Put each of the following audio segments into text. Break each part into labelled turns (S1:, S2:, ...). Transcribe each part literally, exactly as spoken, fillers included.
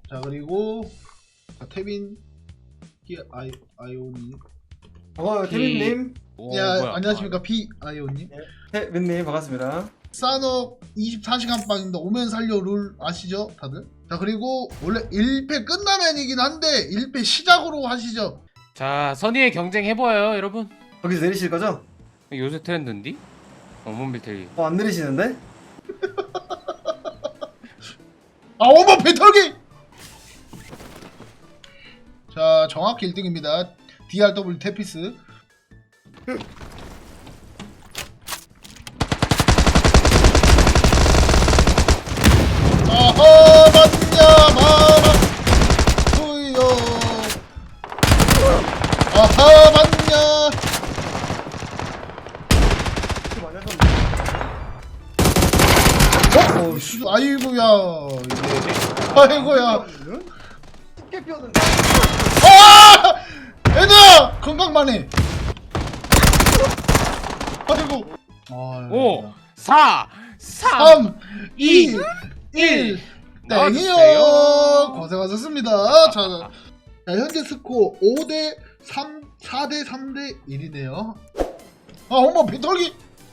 S1: 자 그리고 태빈 피 아이 아이오님.
S2: 어, 태민님,
S3: 오,
S1: 야
S3: 뭐야.
S1: 안녕하십니까 피 아이오님.
S2: 태민님 반갑습니다.
S1: 산업 이십사 시간 빵입니다. 오면 살려 룰 아시죠 다들? 자 그리고 원래 일 패 끝나면이긴 한데 일 패 시작으로 하시죠.
S3: 자, 선의의 경쟁 해봐요, 여러분.
S2: 거기서 내리실 거죠?
S3: 요새 트렌드인디? 어몬 빌트리.
S2: 어, 안 내리시는데?
S1: 아 어머 배털기! 자 정확히 일 등입니다. 디알더블유 테피스. 아하 맞냐 마마 후요 아하 맞냐. 어? 어 씨, 아이고야 이게 아이고야.
S2: 쉽게 피웠는데.
S1: 아! 얘들아! 건강만해. 아이고. 아,
S3: 오, 사, 삼,
S1: 삼,
S3: 이,
S1: 이, 일.
S3: 넣어주세요.
S1: 땡이요. 고생하셨습니다. 자, 자, 현재 스코어 오 대 삼, 사 대 삼 대 일이네요. 아, 어머, 배털기.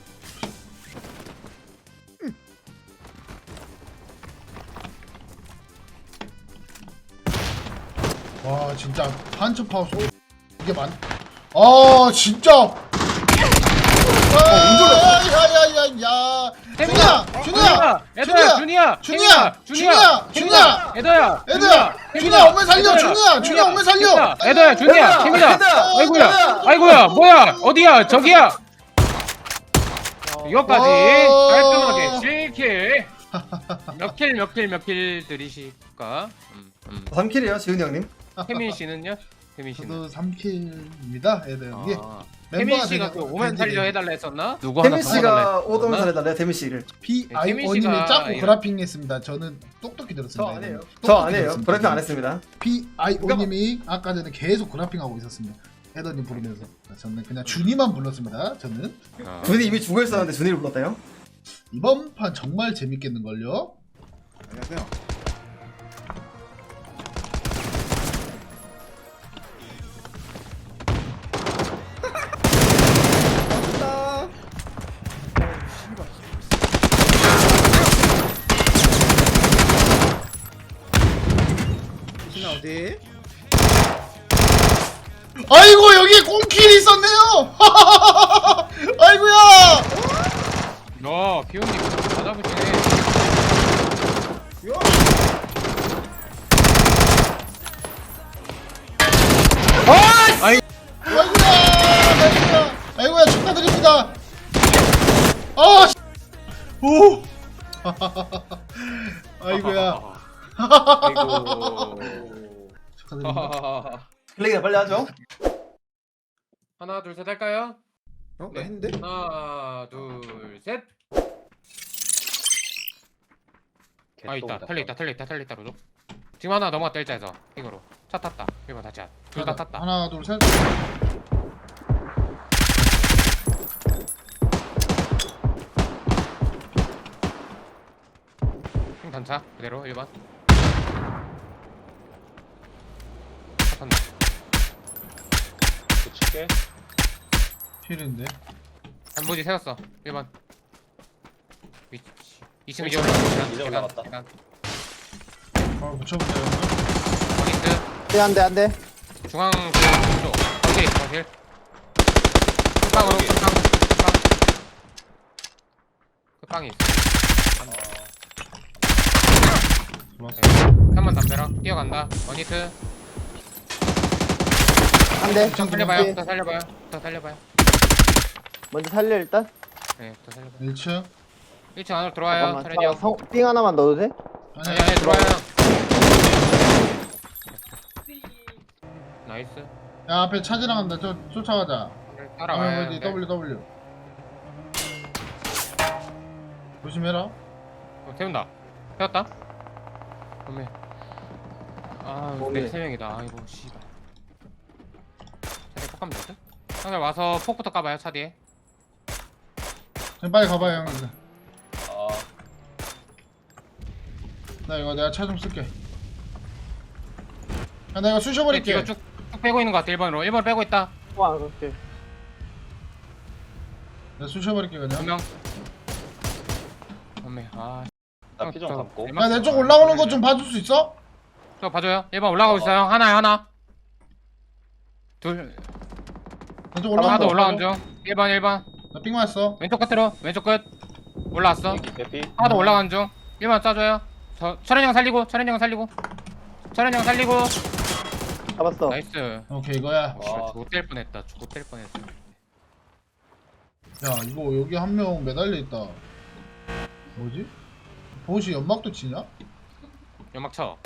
S1: 와, 진짜 한첩 파우스 이게 많. 아, 진짜. 아, 야야야야. 준이야, 준이야,
S3: 에더야, 준이야,
S1: 준이야, 준이야, 준이야.
S3: 에더야,
S1: 애들아, 준이야, 오면 살려, 준이야, 준이야, 오면 살려.
S3: 에더야, 준이야, 태민아. 아이고야, 아이고야, 뭐야, 어디야, 저기야. 이것까지
S1: 와.
S3: 깔끔하게 칠 킬. 몇 킬, 몇 킬, 몇 킬 들이실까? 음, 음.
S2: 삼 킬이에요, 지훈이 형님.
S3: 태민 씨는요? 태민 씨는.
S1: 저도 삼 킬입니다, 애들. 이게
S3: 아,
S1: 멤버가
S3: 태민 씨가
S1: 되면
S3: 그 오면
S1: 밴드네.
S3: 살려 해달라 했었나? 누구 하나
S2: 태민
S3: 더
S2: 씨가
S3: 해달라
S2: 오더면
S3: 했었나?
S2: 살해달래요, 태민 씨를.
S1: 피
S3: 네,
S1: 아이오님이
S3: 태민 씨가
S1: 짜고
S3: 이런-
S1: 그래핑했습니다. 저는 똑똑히 들었습니다.
S2: 저 안 해요.
S1: 똑똑히
S2: 저 안 해요.
S1: 들었습니다.
S2: 브레이핑 안 했습니다.
S1: 피 아이오님이 아까 전에 계속 그래핑하고 있었습니다. 헤더님 부르면서 저는 그냥 준이만 불렀습니다. 저는
S3: 어.
S2: 준이 이미 죽어 있었는데 준이를 불렀다요?
S1: 이번 판 정말 재밌겠는걸요.
S4: 안녕하세요. 신아 어디?
S1: 아이고 여기 꽁킬이 있었네요. 아이고야.
S3: 야, 비온님 받아보시네.
S1: 아이고야. 아이고야. 아이고야 축하드립니다. 아. 씨. 오. 아이고야.
S3: 아이고.
S1: 축하드립니다.
S2: 플레이나 빨리 하죠.
S3: 하나, 둘, 셋 할까요?
S4: 어?
S3: 네.
S4: 나 했는데?
S3: 하나, 둘, 셋. 아 있다. 텔레 있다. 텔레 있다. 텔레 있다. 로조. 지금 하나 넘어갔다 일자에서 핑으로. 차 탔다. 일 번 다치. 둘 다 탔다.
S1: 하나 둘 셋.
S3: 핑 단차 그대로 일 번. 차 탄다. 붙일게.
S1: 필인데.
S3: 단무지 세웠어. 일 번. 위치. 이 층 이제 올라갔다.
S5: 이제 올라갔다.
S1: 바로 붙여보세요.
S3: 확인트.
S5: 네, 안돼 안돼.
S3: 중앙 쪽. 거실 거실. 끝방으로 끝방. 끝방. 끝방이 있어.
S1: 좋았어.
S3: 한번 담벼락 뛰어간다. 원히트.
S5: 안돼.
S3: 더 살려봐요. 더 살려봐요. 더 살려봐요.
S5: 먼저 살려 일단.
S3: 네, 더 살려봐요.
S1: 일 층.
S3: 일 층 안으로 들어와요.
S5: 잠깐만.
S3: 차례
S5: 자,
S3: 형.
S5: 성, 삥 하나만 넣어도 돼?
S1: 아니
S3: 아니 아니 들어와요. 나이스.
S1: 야 앞에 차 지나간다. 저 쫓아가자. 아
S3: 따라와요.
S1: 어디
S3: 네.
S1: W W. 조심해라.
S3: 어, 태운다. 태웠다. 어메. 아,
S5: 어메.
S3: 네, 세 명이다. 아이고, 씨발. 차례 폭 가면 되지? 형들 와서 폭부터 까봐요, 차 뒤에.
S1: 형 빨리 가봐요 형. 이제.
S5: 어.
S1: 나 이거 내가 차 좀 쓸게. 야 내가 쑤셔버릴게.
S3: 뒤로 쭉, 쭉 빼고 있는 거 같아. 일 번으로 일 번 빼고 있다.
S5: 와 그렇게.
S1: 내가 쑤셔버릴게 그냥.
S3: 분명 엄매 아
S6: 나 피 좀
S3: 저-
S6: 감고.
S3: 일반-
S1: 야 내 쪽 올라오는 거 좀 봐줄 수 있어?
S3: 저 봐줘요. 일 번 올라가고 있어요. 하나야 하나. 둘
S1: 내 쪽
S3: 하나
S1: 올라오는
S3: 더
S1: 거.
S3: 올라간 중. 일 번 일 번
S1: 나삥 맞았어.
S3: 왼쪽 끝으로 왼쪽 끝 올라왔어.
S6: 여기 개피.
S3: 하나 더 올라간 중. 일 번 쏴줘요. 저 철현 형 살리고 철현 형 살리고 철현 형 살리고
S5: 잡았어.
S3: 나이스.
S1: 오케이 이거야.
S6: 와.
S3: 죽을 뗄 뻔했다. 죽을 뗄 뻔했어.
S1: 야 이거 여기 한 명 매달려 있다. 뭐지? 보시 연막도 치냐?
S3: 연막 쳐.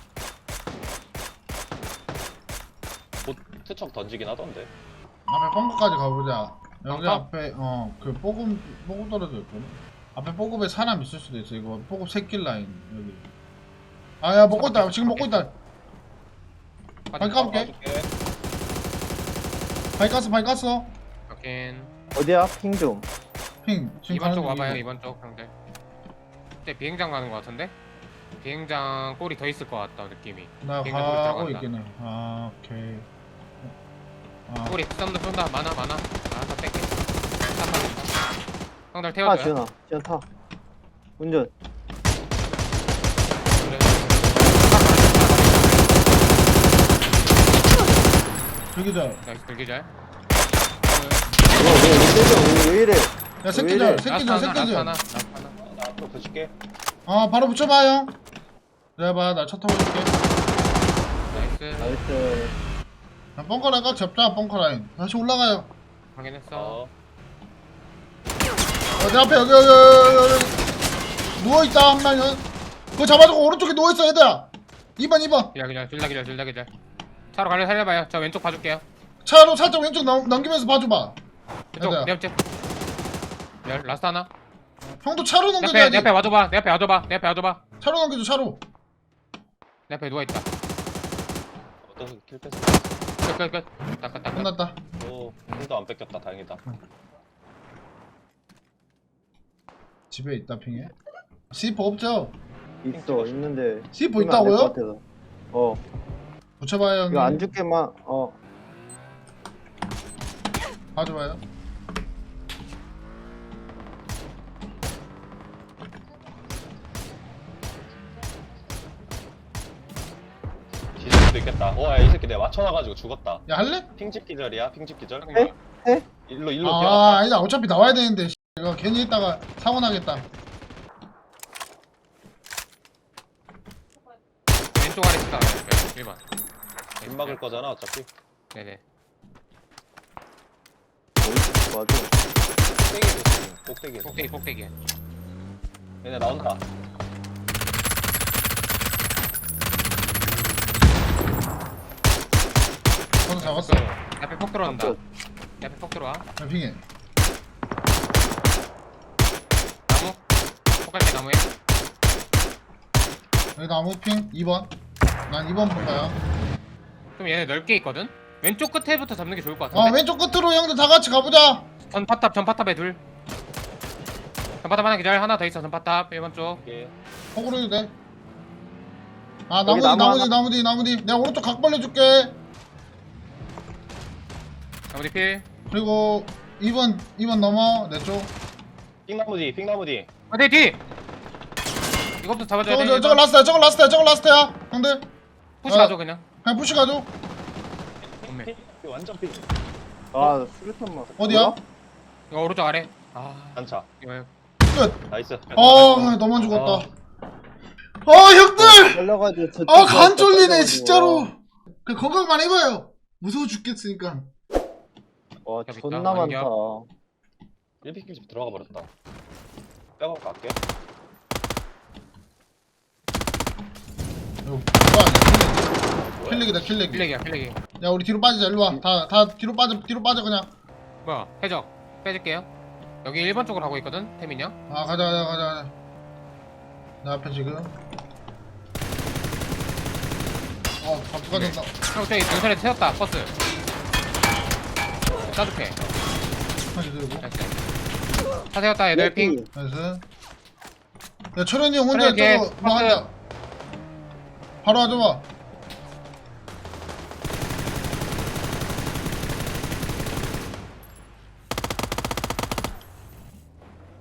S6: 곧 투척 던지긴 하던데.
S1: 앞에 펑크까지 가보자. 여기
S3: 펑크?
S1: 앞에 어그 뽀금 뽀금 떨어져 있거든. 앞에 뽀금에 사람 있을 수도 있어. 이거 뽀금 새끼 라인 여기. 아야 먹고 있다. 지금 먹고 있다. 발 까볼게.
S6: 봐줄게.
S1: 발 깠어 발 깠어.
S3: 확인.
S5: 어디야? 핑 좀.
S1: 핑 지금
S3: 이번 쪽
S1: 가는
S3: 와봐요.
S1: 중이고.
S3: 이번 쪽 형들. 그때 비행장 가는 거 같은데? 비행장 꼴이 더 있을 것 같다 느낌이.
S1: 나
S3: 비행장
S1: 가고
S3: 꼴 들어간다.
S1: 있긴 해. 아 오케이. 아
S3: 꼴이 썸도 쏜다. 많아 많아. 아다 뺄게. 다 형들
S5: 타
S3: 태워줘요.
S5: 지현아. 지현 타. 운전.
S3: 그래.
S1: 저기자.
S3: 나이스 들기잘.
S5: 왜, 왜, 왜, 왜 이래?
S1: 야 새끼들
S5: 왜 이래?
S3: 라스트
S1: 새끼들
S3: 하나,
S1: 새끼들.
S3: 라스트 하나, 라스트 하나.
S6: 어, 나 앞으로 붙일게.
S1: 아 바로 붙여봐 형. 내가 나차 타고 있을게.
S3: 나이스.
S5: 나이스.
S1: 야, 벙커 라인 꽉 잡자 벙커 라인. 다시 올라가요.
S3: 확인했어.
S6: 어.
S1: 어, 내 앞에 여기 여기 여기, 여기. 누워있다 한 명은. 그거 잡아주고 오른쪽에 누워있어 얘들아. 이 번 이 번
S3: 기절 기절 둘다 기절 둘다 기절. 차로 가려 살려봐요. 저 왼쪽 봐줄게요.
S1: 차로 살짝 왼쪽 넘, 넘기면서 봐줘봐.
S3: 왼쪽
S1: 얘들아.
S3: 내 옆집. 열 라스트 하나.
S1: 형도 차로
S3: 내 앞에
S1: 넘겨줘야지.
S3: 내 앞에 와줘봐. 내 앞에 와줘봐. 내 앞에 와줘봐.
S1: 차로 넘겨줘 차로.
S3: 내 앞에 누워 있다.
S6: 어떤 킬 뺐어?
S3: 끝끝 끝. 닦아 닦아.
S1: 끝났다.
S6: 오, 힘도 안 뺏겼다. 다행이다.
S1: 집에 있다 핑에. 씨포 없죠?
S5: 있어. 있는데.
S1: 씨포
S5: 쓰면 안될것
S1: 있다고요?
S5: 같아서. 어.
S1: 붙여봐요 형님.
S5: 이거 안 죽게만. 어.
S1: 봐줘봐요.
S6: 뒤질 수도 있겠다. 오, 야, 이 새끼 내가 맞춰놔가지고 죽었다.
S1: 야 할래?
S6: 핑집 기절이야. 핑집 기절.
S5: 해? 해?
S6: 일로 일로
S1: 아
S6: 뛰어갔다.
S1: 아니다 어차피 나와야 되는데. 씨, 이거 괜히 있다가 사고 나겠다.
S3: 왼쪽 아래 치다. 일 번.
S6: 빗 막을 거잖아 어차피.
S3: 네네.
S5: 어디 맞아.
S6: 꼭대기에서 지금 꼭대기에서.
S3: 꼭대기 꼭대기.
S6: 얘네 나온다.
S1: 저도 잡았어.
S3: 내 앞에 폭 들어온다.
S5: 끝.
S3: 내 앞에 폭 들어와.
S1: 야 핑에.
S3: 나무. 폭 갈게 나무에.
S1: 여기 나무 핑 이 번. 난 이 번 볼 거야.
S3: 좀 얘네 넓게 있거든. 왼쪽 끝에부터 잡는 게 좋을 것
S1: 어
S3: 같은데.
S1: 왼쪽 끝으로 형들 다 같이 가보자.
S3: 전파탑 전파탑에 둘. 전파탑 하나 기절 하나 더 있어. 전파탑 일 번 쪽.
S6: 이게
S1: 호구로 해도 돼. 아
S5: 여기
S1: 나무 뒤
S5: 나무
S1: 나무
S5: 하나.
S1: 뒤 나무 뒤 나무 뒤. 내가 오른쪽 각 벌려줄게.
S3: 나머지 필.
S1: 그리고 이 번 이 번 넘어 내 쪽.
S6: 핑나무 뒤, 핑나무 뒤.
S3: 어디 뒤. 이것부터 잡아줘야
S1: 저거
S3: 돼.
S1: 저, 저거 라스트야 저거 라스트야 저거 라스트야 형들.
S3: 푸시
S1: 어.
S3: 가줘 그냥.
S1: 그냥 푸시 가줘.
S3: 없네.
S6: 핑, 핑, 완전 핑.
S5: 아, 수류탄 맞.
S1: 어디야?
S3: 이거 오른쪽 아래. 아
S6: 단차.
S3: 이거
S1: 끝.
S6: 나이스.
S1: 아 너만 죽었다.
S6: 어.
S1: 아 형들.
S5: 걸려가지고 저.
S1: 아 간 쫄리네 진짜로. 그 건강만 해봐요. 무서워 죽겠으니까.
S5: 와,
S3: 여기
S5: 존나
S3: 있다,
S5: 많다.
S6: 일 피 집 들어가 버렸다. 빼고 갈게.
S1: 이거 뭐야? 킬렉이다 킬렉.
S3: 필렉이야 필렉이.
S1: 야 우리 뒤로 빠지자 일로 와. 다 다 뒤로 빠져 뒤로 빠져 그냥.
S3: 뭐야 해적 빼줄게요. 여기 일 번 쪽으로 가고 있거든 태민이 형.
S1: 아 가자 가자 가자 가자. 내 앞에 지금. 어 갑자기 가졌다.
S3: 형 저기 능선에 세웠다 버스. 따뜻해.
S1: 다시 들고.
S3: 나이스. 차 세웠다 애들 핑.
S1: 나이스. 야 철현이 형 혼자
S3: 철현이 걔
S1: 저거 뭐
S3: 버스.
S1: 한다. 바로 와줘봐.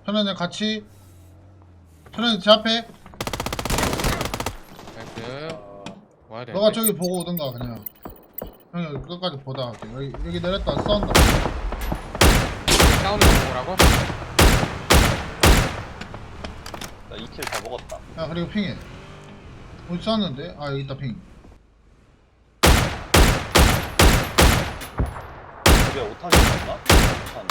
S1: 천연이 같이. 천연이 제 앞에.
S3: 나이스. 와야 돼.
S1: 너가 저기 보고 오든가 그냥. 형이 여기 끝까지 보다 갈게. 여기 여기 내렸다 싸운다.
S3: 싸우는 거 보라고?
S6: 나 이 킬 다 먹었다.
S1: 야 그리고 핑해. 어디 쐈는데? 아 여기 있다 핑.
S6: 집에 오탄이 없나? 오탄.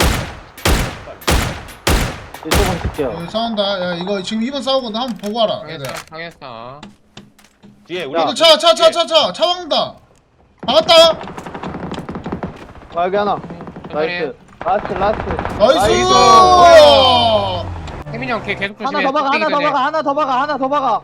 S5: 이쪽은 줄게요.
S1: 여기 싸운다. 야 이거 지금 이 번 싸우거든. 한번 보고 와라.
S3: 당했어.
S1: 얘들아.
S3: 당했어.
S6: 뒤에 우리
S1: 이거 차 차 차 차 차 차 왕다. 박았다.
S5: 아, 여기 하나.
S3: 천천히.
S5: 나이스. 라스트, 라스트.
S1: 나이스.
S3: 혜민이 형 걔 계속 조심해.
S5: 하나 더 박아, 하나 더 박아, 하나 더 박아, 하나 더 박아.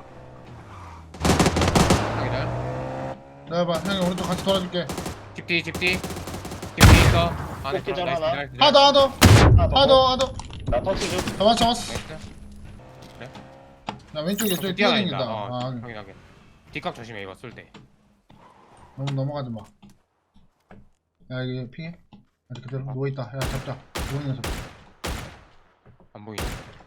S1: 내가 봐. 형이 오른쪽 같이 돌아줄게.
S3: 집뒤 집뒤. 집뒤 있어. 안에
S6: 꼭 기절
S3: 들어. 나이스,
S6: 하나.
S3: 나이스, 나이스.
S1: 하나 더 하나 더
S6: 하나 더.
S1: 하나 더 하나 더.
S6: 나 터치 좀.
S1: 잡았어 잡았어.
S3: 나이스.
S1: 나 왼쪽에 저기
S3: 뛰어다닌다.
S1: 뛰어다닌다.
S3: 어,
S1: 아
S3: 확인하게. 뒷각 조심해 이거 쏠 때.
S1: 너무 넘어가지 마. 야 여기 핑해. 아직 그대로 누워 있다. 야 잡자. 누워 있는 녀석.
S3: 안 보이네.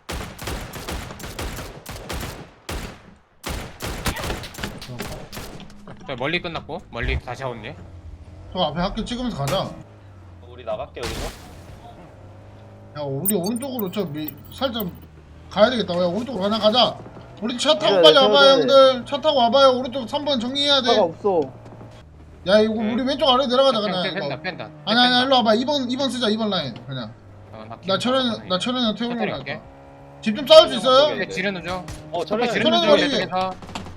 S3: 저 멀리 끝났고 멀리 다시 하온네.
S1: 저 앞에 학교 찍으면서 가자.
S6: 우리 나갈게 여기서.
S1: 야 우리 오른쪽으로 저 미, 살짝 가야 되겠다. 야 오른쪽으로 하나 가자. 우리 차 타고
S5: 그래,
S1: 빨리
S5: 그래,
S1: 와봐요
S5: 그래.
S1: 형들. 차 타고 와봐요. 오른쪽 삼 번 정리해야
S5: 차가
S1: 돼.
S5: 없어.
S1: 야 이거
S3: 네.
S1: 우리 왼쪽 아래 내려가자 그냥
S3: 뺀다
S1: 이거.
S3: 뺀다.
S1: 아니 아니 일로 와봐. 이 번 이 번 쓰자. 이 번 라인 그냥.
S3: 어,
S1: 나 철현 나 철현이 태우러
S3: 천천히
S1: 갈게.
S3: 갈게.
S1: 집 좀 싸울 수 있어요?
S6: 네.
S3: 지르는 중.
S6: 어
S3: 앞에
S6: 저래.
S3: 지르는 중.
S1: 천천히
S3: 이쪽에서.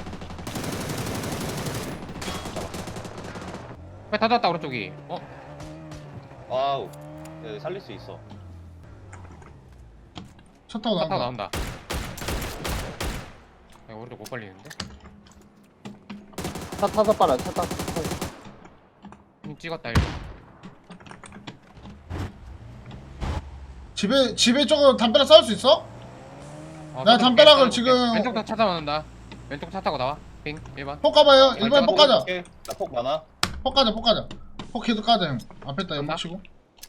S3: 왜 닫았다 오른쪽이. 어?
S6: 와우. 네, 살릴 수 있어.
S1: 차 타고
S3: 차 타고
S1: 나온다.
S3: 나온다. 야, 오른쪽 못 걸리는데?
S5: 차 타서 빨아, 차 타서.
S3: 힘 찍었다 일단.
S1: 집에 집에 저거 담벼락 싸울 수 있어?
S3: 어,
S1: 나
S3: 왼쪽
S1: 담벼락을
S3: 왼쪽
S1: 지금-
S3: 왼쪽 차 타고 나온다. 왼쪽 차 타고 나와. 빙 일 번.
S1: 폭 가봐요. 일번에 폭 가자.
S6: 나폭 많아.
S1: 폭 가자. 폭 가자. 폭 계속 가자 형. 앞에다 연막
S3: 간다.
S1: 치고.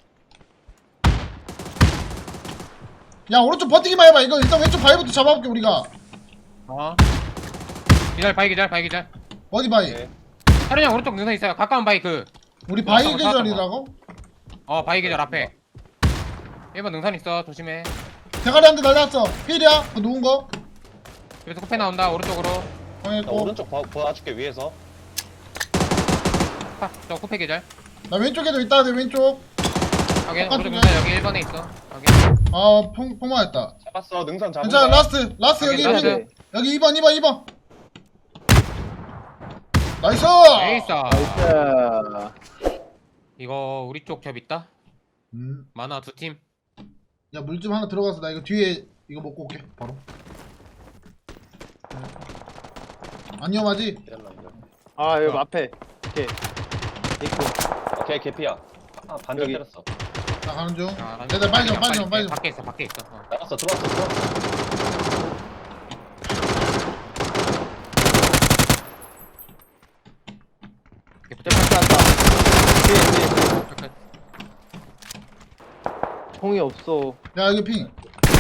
S1: 야 오른쪽 버티기만 해봐. 이거 일단 왼쪽 바위부터 잡아볼게 우리가.
S3: 어. 기절 바위 기절 바위 기절.
S1: 어디 바위?
S6: 네.
S3: 하른이 형 오른쪽 능선 있어요. 가까운 바위 그.
S1: 우리 바위
S3: 어,
S1: 계절이라고?
S3: 어 바위 계절 앞에. 일 번 능선 있어. 조심해.
S1: 대가리 한 대 날렸어. 필이야. 그거 누운 거?
S3: 여기서 코페 나온다. 오른쪽으로.
S6: 나
S1: 확인했고.
S6: 오른쪽 봐, 봐줄게 위에서.
S3: 파. 저 코페 계절.
S1: 나 왼쪽에도 있다. 내 왼쪽.
S3: 확인.
S1: 똑같은
S3: 오른쪽
S1: 거야?
S3: 능선 여기 일 번에 있어. 확인.
S1: 아 폭, 폭망했다.
S6: 잡았어. 능선 잡은
S1: 괜찮아.
S6: 거야.
S1: 라스트. 라스트 여기
S3: 확인,
S1: 핑.
S3: 라스트.
S1: 여기 이 번 이 번 이 번. 나이스.
S3: 에이스.
S5: 나이스.
S3: 이거 우리 쪽 겹 있다.
S1: 음.
S3: 만화 두 팀.
S1: 야 물 좀 하나 들어가서 나 이거 뒤에 이거 먹고 올게. 바로. 안 위험하지?
S5: 아, 여기
S3: 어.
S5: 앞에. 오케이. 있고.
S6: 오케이 개피야. 아 반전
S5: 여기.
S6: 때렸어.
S1: 나 가는 중.
S3: 아,
S1: 얘들 빨리 좀 빨리 좀 빨리 좀.
S3: 밖에 있어. 밖에 있어. 어.
S6: 나갔어 들어왔어 들어왔어.
S3: 이렇게 붙여.
S5: 저 밖에 왔다. 뒤에, 뒤에, 뒤에.
S3: 잠깐.
S5: 공이 없어.
S1: 야 여기 핑.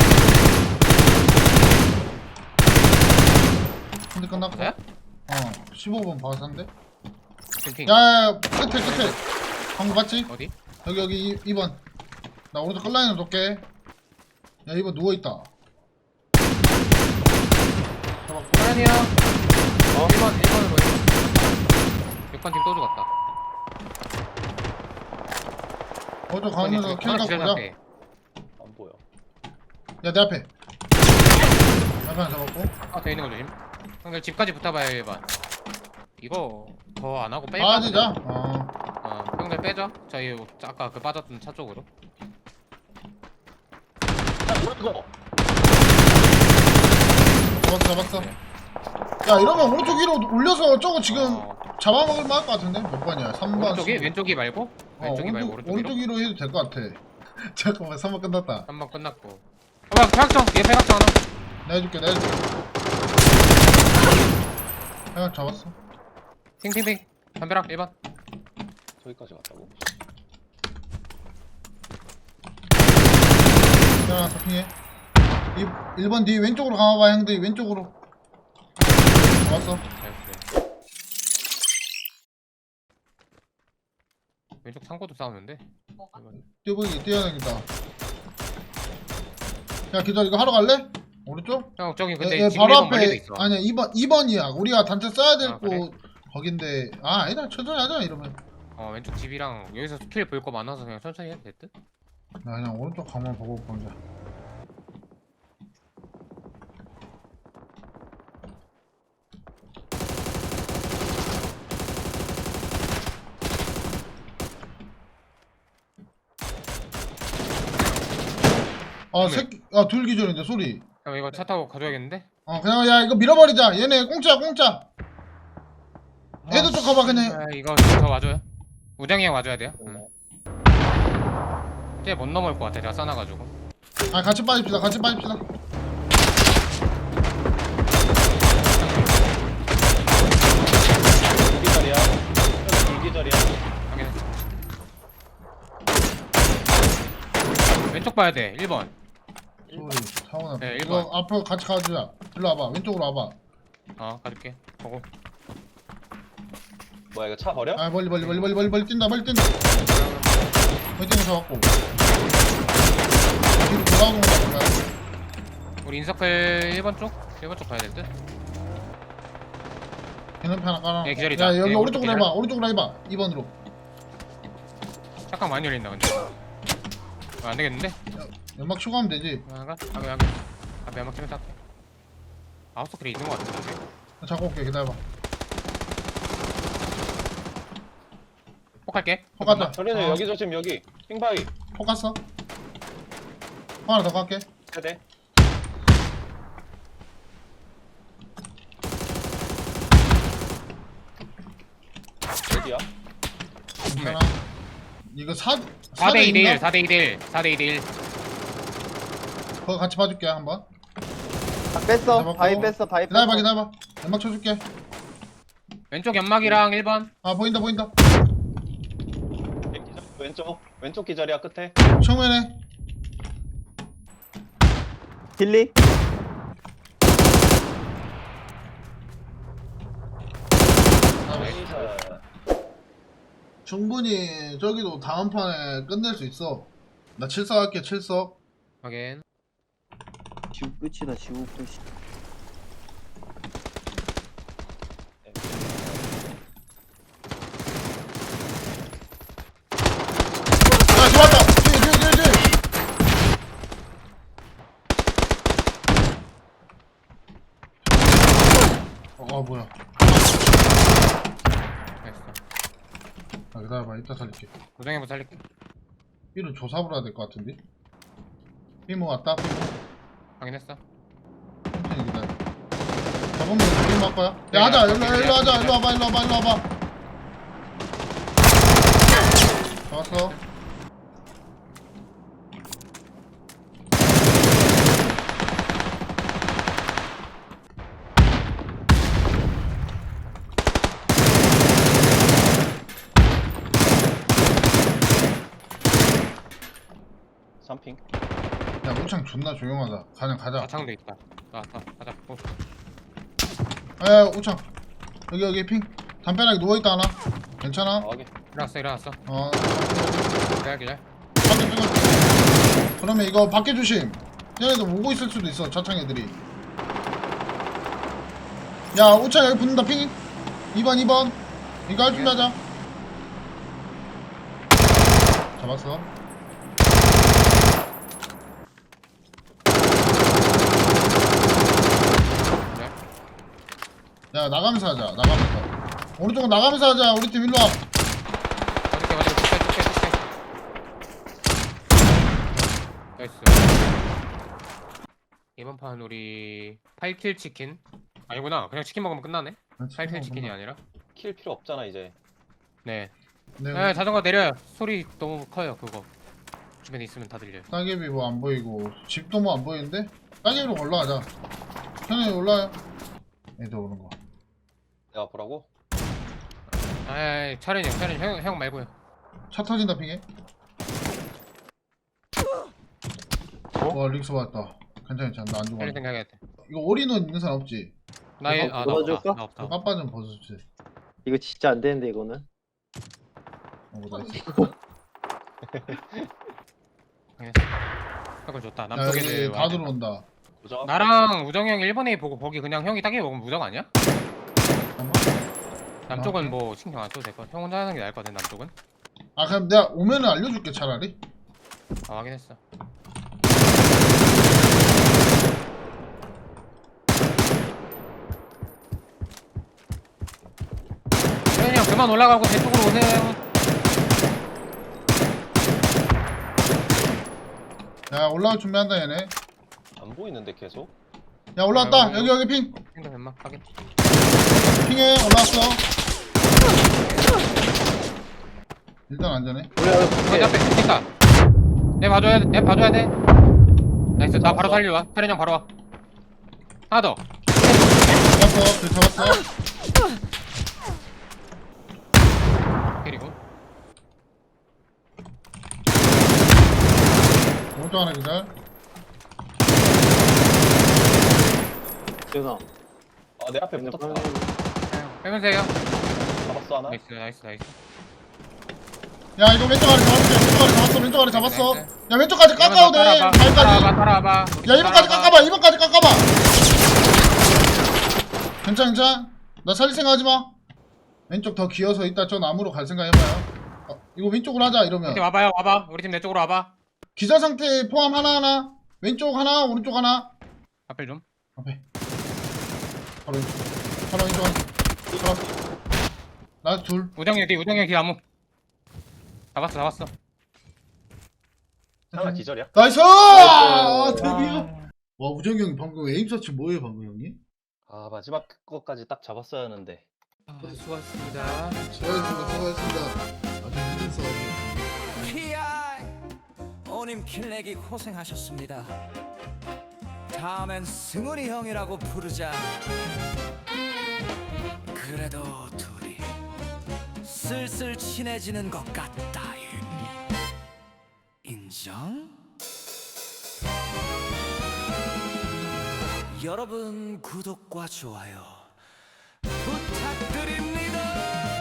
S1: 근데 끝났고.
S3: 그래?
S1: 어 십오 번 바산데.
S3: 핑핑.
S1: 야야야 끝에 끝에. 방금 봤지?
S3: 어디?
S1: 여기 여기 이 번. 나 오른쪽 끌라인으로 놓게. 야 이 번 누워 있다.
S3: 호란이 형. 어? 일 번 일 번으로 일 번. 육 번 팀 또 죽었다.
S1: 오른쪽 가면서 킬 갖고 보자.
S6: 안 보여.
S1: 야 내 앞에. 앞에 하나 잡았고.
S3: 아, 돼 있는 거 조심. 형들 집까지 붙어봐요, 일 번. 이거 더 안 하고 뺄까?
S1: 빠지자. 어.
S3: 어, 형들 빼죠. 저희 아까 그 빠졌던 차 쪽으로.
S6: 이거
S1: 잡았어 잡았어.
S3: 네.
S1: 야 이러면 오른쪽 위로 올려서 저거 지금
S3: 어,
S1: 잡아먹을 만할 것 같은데? 몇 번이야? 삼 번.
S3: 오른쪽이 왼쪽이 말고?
S1: 어,
S3: 왼쪽이 말고 오른쪽
S1: 오른쪽
S3: 위로?
S1: 위로 해도 될 것 같아. 잠깐만 삼 번 끝났다.
S3: 한 번 끝났고. 어, 뭐야, 폐각정! 얘 폐각정 하나.
S1: 내가 해줄게 내가 해줄게. 내가 잡았어.
S3: 핑핑핑. 담벼락 일 번.
S6: 저기까지 갔다고?
S1: 내가 서핑해. 일 번 뒤 왼쪽으로 가봐봐 형들. 왼쪽으로. 왔어.
S3: 나이스. 왼쪽 창고도 싸우는데. 이건-
S1: 뛰어보기 뛰어야겠다. 야 기다려 이거 하러 갈래? 오른쪽?
S3: 형 저기 근데
S1: 예, 예,
S3: 지금
S1: 바로
S3: 일 번 멀리도
S1: 앞에
S3: 있어.
S1: 아니야 이 번 이 번이야. 우리가 단체 써야 될
S3: 아,
S1: 곳
S3: 그래?
S1: 거긴데 아 아니다 천천히 하자 이러면.
S3: 어 왼쪽 집이랑 여기서 스킬 볼 거 많아서 그냥 천천히 해도 될 듯?
S1: 나 그냥 오른쪽 가만 보고 보자. 아
S3: 네.
S1: 새끼 아둘 기절인데 소리.
S3: 형 이거 차 타고 가져야겠는데?
S1: 어 그냥 야 이거 밀어버리자. 얘네 공짜 공짜. 애들 쪽 가봐 그냥.
S3: 아 이거 저 와줘요? 우정이 형 와줘야 돼요? 응. 이제 못 넘을 것 같아 내가 싸놔가지고.
S1: 아 같이 빠집시다 같이 빠집시다.
S6: 불기절이야. 불기절이야.
S3: 확인했어. 왼쪽 봐야 돼 일 번.
S1: 소리 사원아.
S3: 네, 일
S1: 이거
S3: 번.
S1: 앞으로 같이 가주자. 일로 와봐 왼쪽으로 와봐.
S3: 어 가줄게 보고.
S6: 뭐야 이거 차 버려?
S1: 아 멀리 멀리 멀리 멀리 멀리 멀리 뛴다 멀리 뛴다. 멀리 뛰는 잡았고. 뒤로 돌아오는 거 같다.
S3: 우리 인서클 일 번 쪽? 일 번 쪽 가야 될 듯?
S1: 개념 하나 깔아.
S3: 예, 기다리자.
S1: 야 여기
S3: 예,
S1: 오른쪽으로
S3: 오른쪽
S1: 해봐 오른쪽으로 해봐 이 번으로.
S3: 잠깐 많이 열린다 근데. 어, 안 되겠는데?
S1: 연막 추가하면 되지.
S3: 나가? 여기 여기. 앞에 한번 키면 딱. 아웃서클이 있는 것 같은데.
S1: 나 잡고 올게 기다려봐.
S3: 폭 할게.
S1: 폭 갔다.
S6: 저리는
S1: 어.
S6: 여기 조심 여기. 핑바위.
S1: 폭 갔어. 폭 하나 더 갈게.
S6: 세대. 어디야?
S1: 괜찮아. 이거 사
S3: 사 대 이 대
S1: 있나?
S3: 일, 사 대 이 대 일, 사 대 이 대 일.
S1: 그거 같이 봐줄게 한번.
S5: 다 뺐어.
S1: 잡았고.
S5: 바위 뺐어. 바위 뺐어.
S1: 기다려봐 기다려봐. 연막 쳐줄게.
S3: 왼쪽 연막이랑 일 번.
S1: 아 보인다 보인다.
S6: 기절. 왼쪽. 왼쪽 기절이야 끝에.
S1: 정면에.
S5: 길리.
S6: 나이스.
S1: 충분히 저기도 다음 판에 끝낼 수 있어. 나 칠석 할게 칠석.
S3: 확인.
S5: 지구 끝이다. 지구 끝이.
S1: 야 좋았다. 뒤에 뒤에 뒤에 뒤에. 어, 아 뭐야.
S3: 됐어.
S1: 아 기다려봐 이따 살릴게.
S3: 우정이 한번 살릴게.
S1: B는 조사를 해야 될 것 같은데. B모 왔다. B모.
S3: 확인했어.
S1: 천천히 기다려. 잡으면 B모 할 거야. 야 하자. 일로 일로 하자. 일로 와봐. 일로 와봐. 일로 와봐. 잡았어.
S6: 삼핑.
S1: 야 우창 존나 조용하다. 그냥 가자.
S3: 아창도 있다. 나왔다. 가자. 오.
S1: 야 우창. 여기 여기 핑. 담벼락에 누워있다 하나. 괜찮아?
S6: 아, 확인.
S3: 일어났어. 일어났어.
S1: 어.
S3: 기다려 기다려.
S1: 밖에 찍어. 그러면 이거 밖에 조심. 얘네들 오고 있을 수도 있어. 차창 애들이. 야 우창 여기 붙는다 핑. 이 번 이 번. 이거 할 준비하자. 잡았어.
S3: 네.
S1: 야 나가면서 하자. 나가면서. 오른쪽은 나가면서 하자. 우리 팀 일로 와.
S3: 맞을게 맞을게. 쭉빼 쭉빼 쭉빼. 나이스. 이번 판 우리 팔 킬 치킨. 아니구나. 그냥 치킨 먹으면 끝나네. 팔 킬 치킨이 아니라.
S6: 킬 필요 없잖아 이제.
S3: 네.
S1: 네.
S3: 네, 자전거 내려요. 소리 너무 커요. 그거. 주변에 있으면 다 들려요.
S1: 따개비 뭐 안 보이고 집도 뭐 안 보이는데? 따개비로 올라가자. 형님 올라와요. 애들 오는 거.
S6: 내가 보라고?
S3: 아, 차련이 형, 차련이 형, 형 말고요.
S1: 차 터진다 핑해. 와 릭스 왔다. 괜찮아 괜찮아 나 안 죽어.
S3: 텔리 생각해야 돼.
S1: 이거 올인원 있는 사람 없지?
S3: 나이
S2: 이거
S3: 아나 없다.
S5: 넣어줄까?
S3: 나 없다.
S1: 빠빠 좀 벗어주세요.
S5: 이거 진짜 안 되는데 이거는.
S1: 어, 나이스.
S3: 그걸 좋다.
S1: 야,
S3: 남쪽
S1: 여기
S3: 애들
S1: 다
S3: 와야
S1: 들어온다.
S6: 보자.
S3: 나랑 우정이 형 일 번에 보고 거기 그냥 형이 딱히 먹으면 무정 아니야?
S1: 잠깐만.
S3: 남쪽은 뭐 신경 안 써도 될 것 같아. 형 혼자 하는 게 나을 것 같아 남쪽은.
S1: 아 그럼 내가 오면은 알려줄게 차라리.
S3: 아 확인했어. 혜연이 형 그만 올라가고 제 쪽으로 오세요.
S1: 야 올라올 준비한다 얘네.
S6: 안 보이는데 계속.
S1: 야 올라왔다.
S3: 아,
S1: 여기 여기 핑.
S3: 행동 연막 확인.
S1: 핑에 올라왔어. 일단 안전해.
S5: 우리
S3: 어, 앞에 있다. 내 봐줘야 돼. 내 봐줘야 돼. 나이스. 나 바로 살려와. 태련 형 바로 와. 하나 더.
S1: 잡았어. 그 잡았어.
S3: 그리고
S1: 오른쪽 하나 기절.
S5: 지훈아.
S6: 아, 내 앞에 붙었다.
S3: 빼면서 해요.
S6: 잡았어 하나.
S3: 나이스 나이스 나이스.
S1: 야 이거 왼쪽 아래 잡았어. 왼쪽 아래 잡았어. 왼쪽 아래 잡았어.
S3: 나이스.
S1: 야 왼쪽까지 깎아도 돼.
S3: 따라와봐.
S1: 발까지.
S3: 따라와봐 따라와봐.
S1: 야 이번까지 깎아봐. 이번까지 깎아봐. 괜찮아 괜찮아. 나 살릴 생각하지 마. 왼쪽 더 기어서 이따 저 나무로 갈 생각 해봐요. 어, 이거 왼쪽으로 하자 이러면.
S3: 우리 와봐요 와봐. 우리 팀 내 쪽으로 와봐.
S1: 기자 상태 포함 하나하나. 왼쪽 하나 오른쪽 하나.
S3: 앞에 좀.
S1: 앞에. 바로 왼쪽. 바로 왼쪽 하나. 잡았어. 나 둘.
S3: 우정이 뒤 우정이 뒤 나무. 잡았어 잡았어.
S6: 하나 기절이야.
S1: 나이스! 아, 드디어. 와 우정이 형 방금 에임서치 뭐예요 방금 형이?
S6: 아, 마지막 거까지 딱 잡았어야 하는데.
S3: 수고하셨습니다.
S1: 수고하셨습니다. 수고하셨습니다. 아주 힘든 싸움.
S7: 피아이 오님 킬내기 고생하셨습니다. 다음엔 승훈이 형이라고 부르자. 그래도 둘이 슬슬 친해지는 것 같다. 인정? 여러분 구독과 좋아요 부탁드립니다.